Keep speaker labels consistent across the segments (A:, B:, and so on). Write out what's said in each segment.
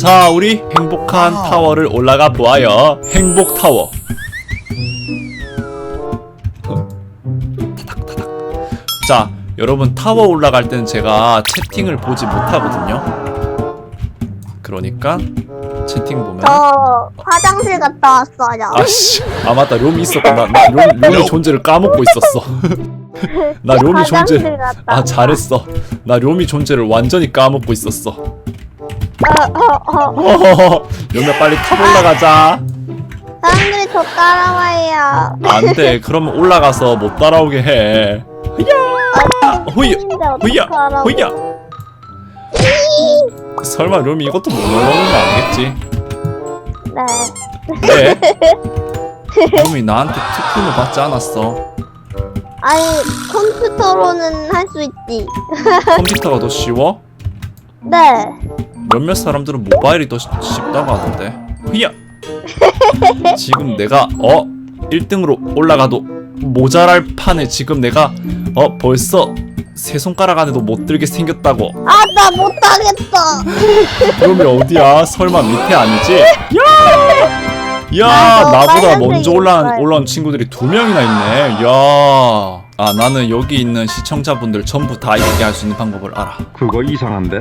A: 자, 우리 행복한 타워를 올라가 보아요. 행복타워. 타닥타닥. 자, 여러분 타워 올라갈 때는 제가 채팅을 보지 못하거든요. 그러니까 채팅 보면
B: 저 화장실 갔다 왔어요.
A: 아씨, 아 맞다, 롬이 있었구나. 나 롬의 존재를 까먹고 있었어. 나 롬이 존재.
B: 화장실 갔다
A: 아
B: 왔다.
A: 잘했어. 나 롬이 존재를 완전히 까먹고 있었어. 롬이야 빨리 탑 올라가자.
B: 사람들이 저 따라와요.
A: 안돼, 그러면 올라가서 못 따라오게 해. 후야, 후야, 후야. 설마 롬이 이것도 못 올라오는 거 아니겠지?
B: 네.
A: 네? 롬이 나한테 특훈을 받지 않았어.
B: 아니 컴퓨터로는 할 수 있지.
A: 컴퓨터가 더 쉬워?
B: 네.
A: 몇몇 사람들은 모바일이 더 쉽다고 하던데. 후야. 지금 내가 1등으로 올라가도 모자랄 판에 지금 내가 벌써 세 손가락 안에도 못 들게 생겼다고.
B: 아 나 못하겠어.
A: 그러면 어디야? 설마 밑에 아니지? 야!
B: 아,
A: 나보다
B: 빨간색이
A: 먼저 올라온 친구들이 2명이나 있네. 야. 아, 나는 여기 있는 시청자분들 전부 다 있게 할 수 있는 방법을 알아.
C: 그거 이상한데?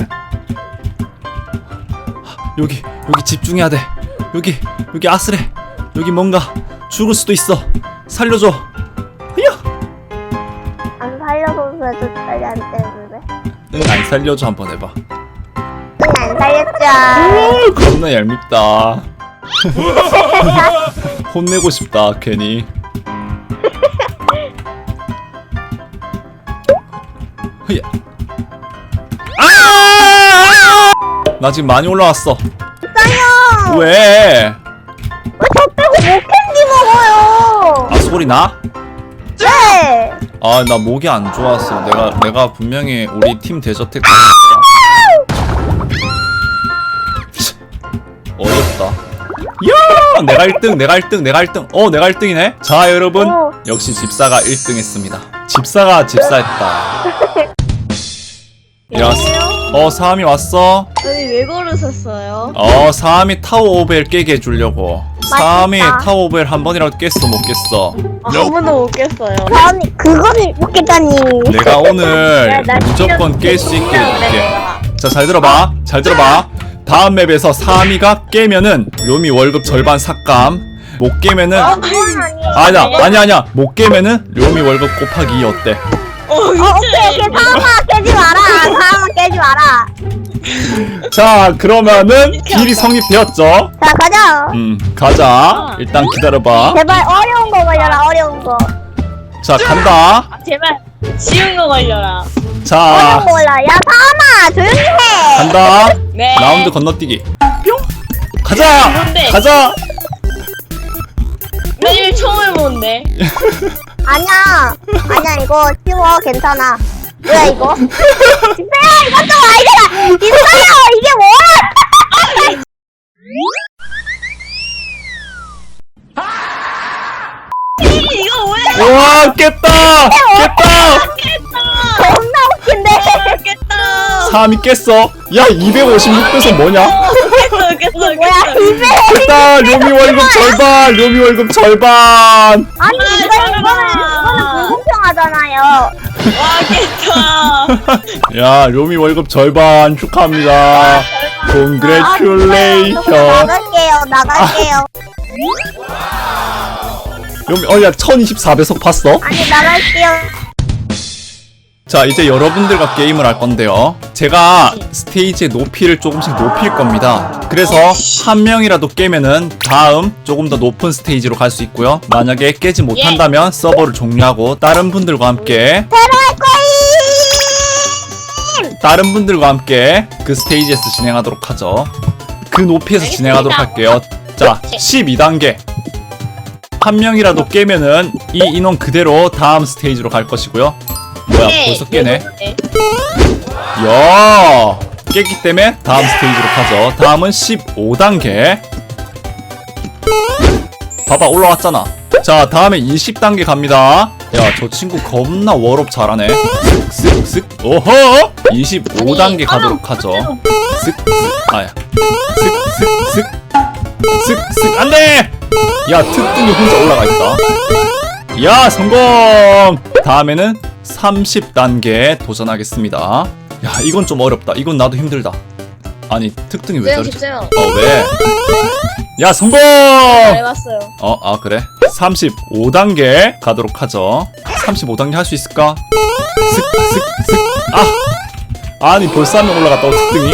A: 여기 집중해야 돼. 여기 아슬해. 여기 뭔가 죽을 수도 있어. 살려줘. 야!
B: 안 살려서 그래도 빨리 안 때문에.
A: 응, 안 살려줘. 한번 해봐.
B: 안 살렸죠.
A: 겁나 얄밉다. 혼내고 싶다 괜히. 흐야. 아! 나 지금 많이 올라왔어.
B: 짜요.
A: 왜?
B: 왜 저 빼고 목캔디 먹어요?
A: 아, 소리 나?
B: 네.
A: 아, 나 목이 안 좋았어. 내가 분명히 우리 팀 대저택 어렵다. 야! 내가 1등. 내가 1등이네. 자, 여러분. 역시 집사가 1등 했습니다. 집사가 집사했다. 야, 사암이 왔어?
D: 아니 왜 걸으셨어요?
A: 사암이 타워 오벨 깨게 해주려고. 사암이 타워 오벨 한 번이라도 깼어, 못 깼어?
D: 한 번도 못 깼어요.
B: 사람이 그거를 먹겠다니.
A: 내가 오늘
D: 나
A: 무조건 깰 수 있게 해줄게.
D: 내가.
A: 자, 잘 들어봐. 다음 맵에서 사암이가 깨면은 롬이 월급 절반 삭감. 못 깨면은 아니야. 못 깨면은 롬이 월급 곱하기 2 어때?
B: 오케이 사람아 깨지 마라.
A: 자, 그러면은 딜이 성립되었죠?
B: 자 가자.
A: 가자. 일단 기다려봐.
B: 제발 어려운 거 걸려라. 어려운 거.
A: 자, 간다.
D: 아, 제발 쉬운 거 걸려라.
B: 어려운
A: 자,
B: 거 걸라. 야 사람아 조용히 해.
A: 간다.
D: 네.
A: 라운드 건너뛰기. 뿅. 가자.
D: 뭔데?
A: 가자.
D: 나 이거 처음 해보는데.
B: 아니야 이거 쉬워 괜찮아. 뭐야 이거? 진짜야 이것 좀 아니잖아. 진짜야 이게 뭐야?
D: 이거 뭐야?
A: 와, 깼다.
B: 겁나 웃긴데.
D: 깼다.
A: 3이 깼어. 야, 256배속 뭐냐?
D: 깼어.
B: 뭐야 입에.
A: 깼다. 료미 월급 절반.
B: 아니 이거는 불공평하잖아요.
D: 와 깼다.
A: 야, 료미 월급 절반 축하합니다. Congratulation.
B: 나갈게요.
A: 료미, 야, 1024배속 봤어?
B: 아니 나갈게요.
A: 자, 이제 여러분들과 게임을 할 건데요. 제가 스테이지의 높이를 조금씩 높일 겁니다. 그래서 한 명이라도 깨면은 다음 조금 더 높은 스테이지로 갈 수 있고요. 만약에 깨지 못한다면 서버를 종료하고 다른 분들과 함께 그 스테이지에서 진행하도록 하죠. 그 높이에서 진행하도록 할게요. 자, 12단계. 한 명이라도 깨면은 이 인원 그대로 다음 스테이지로 갈 것이고요. 뭐야, 벌써 깨네. 야, 깼기 때문에 다음 스테이지로 가죠. 다음은 15단계. 봐봐, 올라왔잖아. 자, 다음에 20단계 갑니다. 야, 저 친구 겁나 워롭 잘하네. 쓱쓱쓱. 오호! 25단계 가도록 하죠. 쓱쓱. 아야. 쓱쓱쓱. 쓱쓱. 안 돼! 야, 특등이 혼자 올라가 있다. 야, 성공! 다음에는 30단계 도전하겠습니다. 야, 이건 좀 어렵다. 이건 나도 힘들다. 아니, 특등이 왜 저러지?
D: 쉽세요.
A: 왜? 야, 성공!
D: 해봤어요.
A: 아, 그래? 35단계 가도록 하죠. 35단계 할 수 있을까? 쓱쓱쓱. 아니, 벌써 한 명 올라갔다고, 특등이?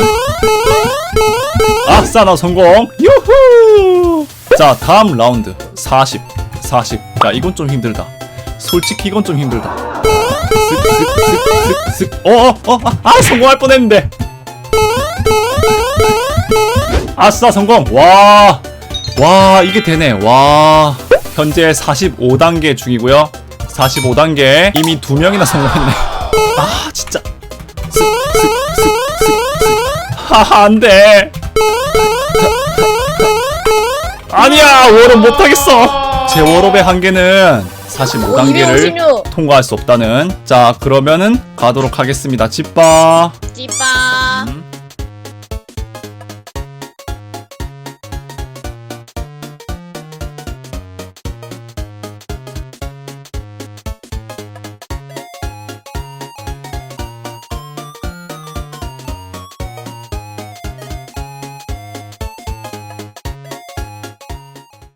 A: 아싸, 나 성공! 유후! 자, 다음 라운드. 40. 야, 이건 좀 힘들다. 솔직히 이건 좀 힘들다. 쓱쓱쓱쓱쓱. 성공할 뻔했는데. 아싸, 성공! 와, 이게 되네. 와, 현재 45단계 중이고요. 45단계 이미 2명이나 성공했네. 아, 진짜. 하하, 안 돼. 아니야, 워롭 못하겠어. 제 워롭의 한계는 45단계를 통과할 수 없다는. 자, 그러면은 가도록 하겠습니다. 집바.
D: 찌빠.